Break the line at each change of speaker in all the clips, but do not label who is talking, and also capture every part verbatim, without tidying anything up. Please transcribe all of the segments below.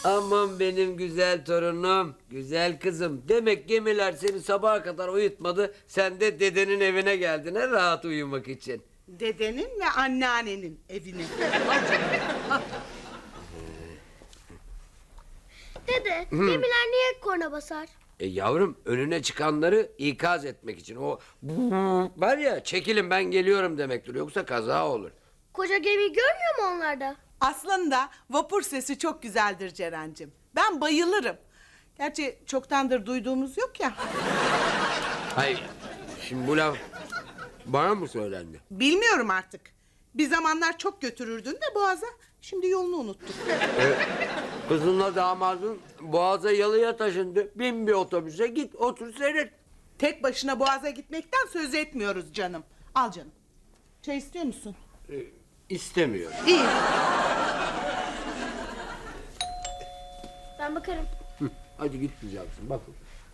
Aman benim güzel torunum, güzel kızım. Demek gemiler seni sabaha kadar uyutmadı. Sen de dedenin evine geldin ha, rahat uyumak için.
Dedenin ve anneannenin evine.
Dede, gemiler niye korna basar?
E yavrum, önüne çıkanları ikaz etmek için. O var ya, çekilin ben geliyorum demektir. Yoksa kaza olur.
Koca gemiyi görmüyor mu onlarda?
Aslında vapur sesi çok güzeldir Ceren'cim. Ben bayılırım. Gerçi çoktandır duyduğumuz yok ya.
Hayır, şimdi bu laf bana mı söylendi?
Bilmiyorum artık. Bir zamanlar çok götürürdün de Boğaz'a. Şimdi yolunu unuttuk.
E, kızınla damadın Boğaz'a yalıya taşındı. Bin bir otobüse, git otur seyret.
Tek başına Boğaz'a gitmekten söz etmiyoruz canım. Al canım. Çay istiyor musun?
E, istemiyor.
İyi.
Ben bakarım.
Hı, hadi git güzelsin, bakın.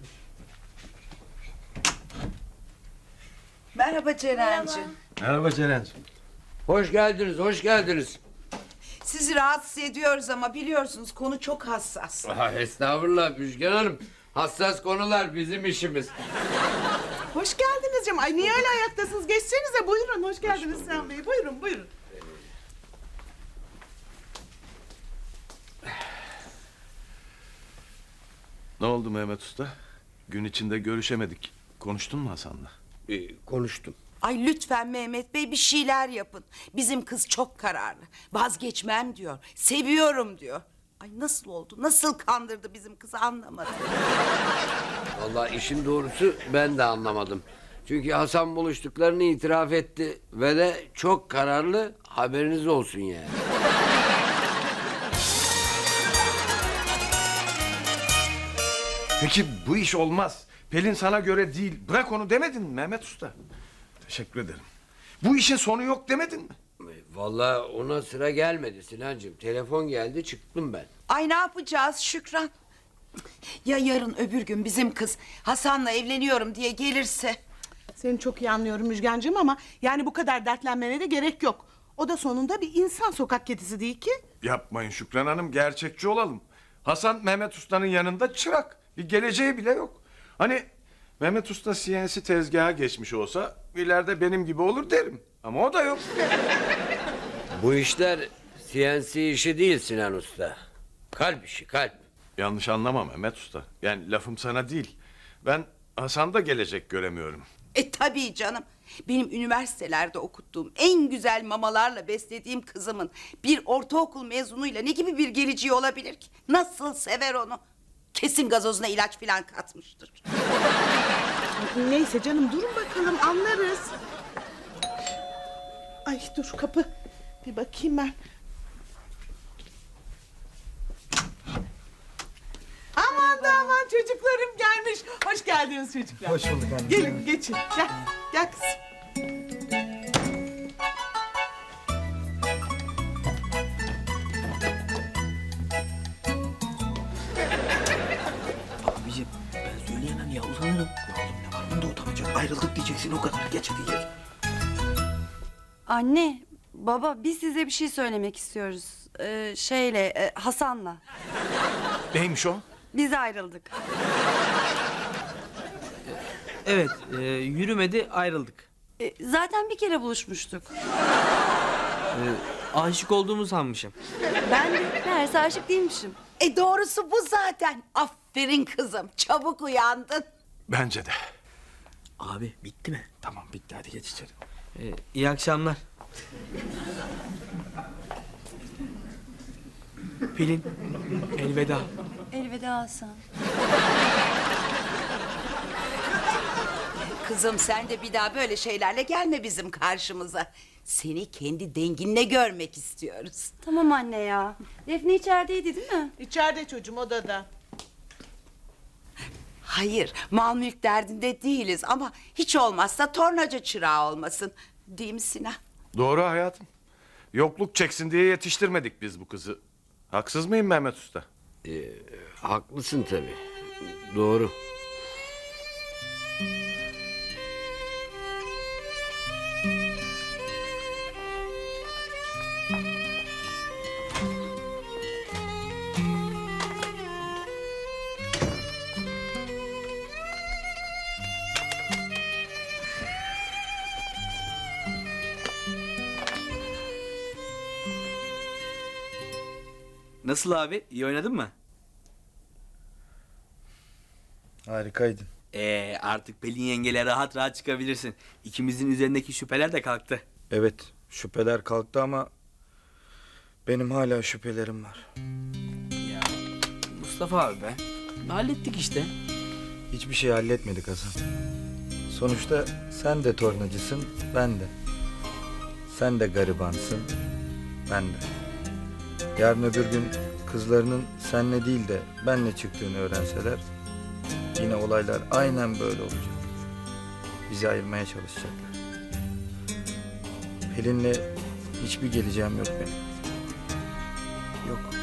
Merhaba Ceren'cim.
Merhaba Ceren'ciğim.
Hoş geldiniz, hoş geldiniz.
Sizi rahatsız ediyoruz ama biliyorsunuz konu çok hassas.
Aha, estağfurullah Müjgan Hanım. Hassas konular bizim işimiz.
Hoş geldiniz canım. Ay niye öyle ayaktasınız? Geçsenize buyurun. Hoş geldiniz Sinan Bey. Buyurun buyurun.
Ne oldu Mehmet Usta? Gün içinde görüşemedik. Konuştun mu Hasan'la?
Ee, konuştum.
Ay lütfen Mehmet Bey bir şeyler yapın. Bizim kız çok kararlı. Vazgeçmem diyor. Seviyorum diyor. Ay nasıl oldu? Nasıl kandırdı bizim kızı anlamadım.
Vallahi işin doğrusu ben de anlamadım. Çünkü Hasan buluştuklarını itiraf etti ve de çok kararlı, haberiniz olsun yani.
Peki bu iş olmaz. Pelin sana göre değil. Bırak onu demedin mi Mehmet Usta? Teşekkür ederim. Bu işin sonu yok demedin mi?
Vallahi ona sıra gelmedi Sinancığım. Telefon geldi, çıktım ben.
Ay ne yapacağız Şükran? Ya yarın öbür gün bizim kız Hasan'la evleniyorum diye gelirse?
Seni çok iyi anlıyorum Müjgancığım ama yani bu kadar dertlenmene de gerek yok. O da sonunda bir insan, sokak kedisi değil ki.
Yapmayın Şükran Hanım, gerçekçi olalım. Hasan Mehmet Usta'nın yanında çırak. Bir geleceği bile yok. Hani Mehmet Usta C N C tezgaha geçmiş olsa ileride benim gibi olur derim. Ama o da yok.
Bu işler C N C işi değil Sinan Usta. Kalp işi, kalp.
Yanlış anlama Mehmet Usta. Yani lafım sana değil. Ben Hasan'da gelecek göremiyorum.
E tabii canım. Benim üniversitelerde okuttuğum en güzel mamalarla beslediğim kızımın bir ortaokul mezunuyla ne gibi bir geleceği olabilir ki? Nasıl sever onu? Kesin gazozuna ilaç falan katmıştır.
Neyse canım durun bakalım anlarız. Ay dur kapı. Bir bakayım ben. Aman da aman çocuklarım gelmiş. Hoş geldiniz çocuklar.
Hoş bulduk anne.
Gelin geçin. Gel. Gel kızım.
Abicim ben söyleyemem ya, utanırım. Ya oğlum ne var bunda utanacak? Ayrıldık diyeceksin, o kadar. Geç hadi geç.
Anne, baba biz size bir şey söylemek istiyoruz. Ee, şeyle, e, Hasan'la.
Neymiş o?
Biz ayrıldık.
Evet, e, yürümedi, ayrıldık.
E, zaten bir kere buluşmuştuk.
E, aşık olduğumu sanmışım.
Ben de meğerse aşık değilmişim.
E doğrusu bu zaten. Aferin kızım. Çabuk uyandın.
Bence de.
Abi bitti mi? Tamam bitti, hadi geç içeri. E, iyi akşamlar. Pelin, elveda.
Elveda Hasan.
Kızım sen de bir daha böyle şeylerle gelme bizim karşımıza. Seni kendi denginle görmek istiyoruz.
Tamam anne ya. Defne içerideydi değil mi?
İçeride çocuğum odada.
Hayır, mal mülk derdinde değiliz ama hiç olmazsa tornacı çırağı olmasın. Değil mi Sinan?
Doğru hayatım. Yokluk çeksin diye yetiştirmedik biz bu kızı. Haksız mıyım Mehmet Usta?
Ee, haklısın tabii. Doğru.
Nasıl abi? İyi oynadın mı?
Harikaydın.
Ee, artık Pelin yengeyle rahat rahat çıkabilirsin. İkimizin üzerindeki şüpheler de kalktı.
Evet, şüpheler kalktı ama benim hala şüphelerim var.
Ya Mustafa abi be. Hallettik işte.
Hiçbir şey halletmedik Hasan. Sonuçta sen de tornacısın, ben de. Sen de garibansın, ben de. Yarın öbür gün kızlarının senle değil de benle çıktığını öğrenseler yine olaylar aynen böyle olacak. Bizi ayırmaya çalışacaklar. Pelin'le hiçbir geleceğim yok benim. Yok.